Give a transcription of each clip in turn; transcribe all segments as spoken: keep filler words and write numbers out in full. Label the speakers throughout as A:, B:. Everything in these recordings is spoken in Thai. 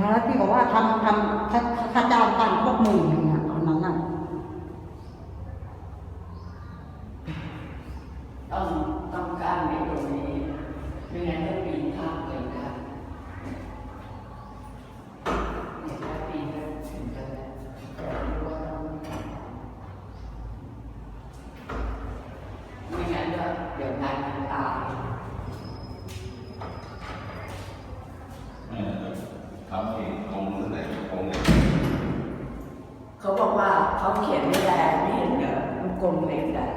A: แล้วพี่บอกว่าทำทำค่าค่าจ้างตั้งพวกหมื่นหนึ่งอ่ะตอนนั้นน่ะ
B: ต้องต้องการในตรงนี้ไม่งั้นจะปีนข้ามเลยครับเนี่ยถ้าปีนก็ถึงจะแต่รู้ว่าต้องไม่งั้นก็เดี๋ยวงานมันตาย
C: ทำเองคงนั่นแหละคงเนี่ย
B: เขาบอกว่าเขาเขียนไม่ได้ไม่เห็นเหรอลูกกลมเล็กได้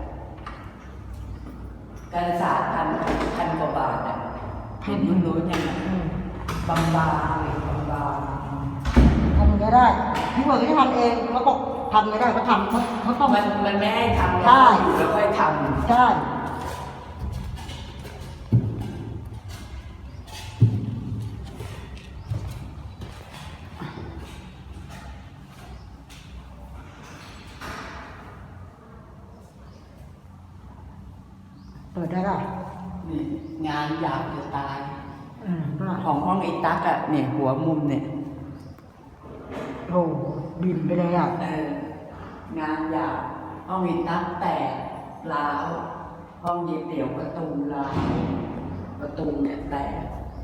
B: การศาสตร์พันพันกว่าบาทอ่ะเห็นมึงรู้ยังไงบางบางเลยบางบาง
A: ทำไม่ได้พี่บอกจะทำเองเขาบอกทำไม่ได้เขาทำเขาเขาต้อง
B: มันมันไม่ให้ทำ
A: ใช่
B: แล้วค่อยท
A: ใช่เปิดได้ป่ะ
B: ำนี่งานอยากจะตาย
A: อืมก็
B: ของห้องไอ้ตั๊กอะเนี่ยหัวมุมเนี่ย
A: โอ้บินไปเลยอ่ะ
B: เอองานอยากห้องไอ้ตั๊กแตกร้าวห้องเย็บเดี่ยวประตูร้าวประตูเนี่ยแตก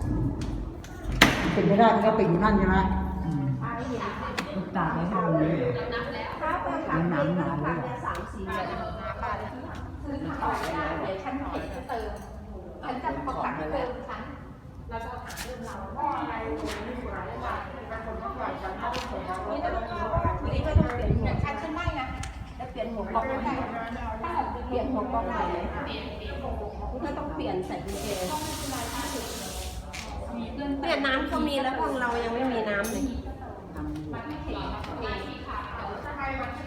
A: เป็นไม่ได้มันก็ปิดอยู่นั่นใช่ไหม
B: ลูกตาไม่ห้องนี้
D: ถ้าเปิดถังหนาวหนาวเลยสามสี่เดือนบ้านที่ซื้อถังต่อไม่ได้เดี๋ยวฉันเห็นจะเติมฉันจะประกาศเติมฉันแล้วก็ถามเรื่องเราว่าอะไรนี่ก็ต้องนี่ก็ต้องเปลี่ยนอย่างฉันฉันได้นะจะเปลี่ยนหัวกล่องไม่ได้ถ้าเปลี่ยนหัวกล่องได้เลยนี่ก็ต้องเปลี่ยนใส่กุญแจเนี่ยน้ำเขามีแล้วห้องเรายังไม่มีน้ำเลย